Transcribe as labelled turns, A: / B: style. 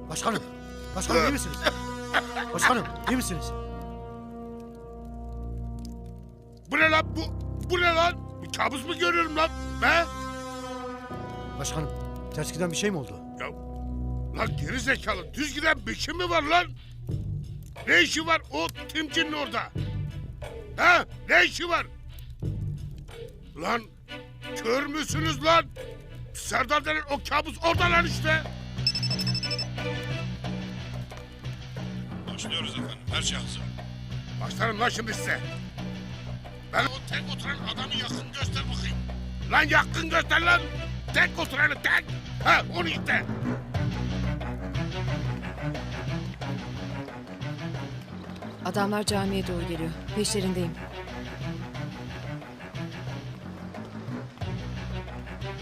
A: Başkanım. Başkanım iyi misiniz? Başkanım iyi misiniz?
B: Bu ne lan bu? Bu ne lan? Bir kabus mu görüyorum lan? He?
A: Başkanım ters giden bir şey mi oldu?
B: Ya, lan geri zekalı düz giden bir şey mi var lan? Ne işi var o Timci'nin orada? Ha? Ne işi var? Lan kör müsünüz lan? Serdar denen o kabus orada lan işte.
C: Başlıyoruz efendim. Her şey hazır.
B: Başlarım lan şimdi size. Ben o tek oturan adamı yakın göster bakayım. Lan yakın göster lan. Tek oturanı tek. Ha onu işte.
D: Adamlar camiye doğru geliyor. Peşlerindeyim.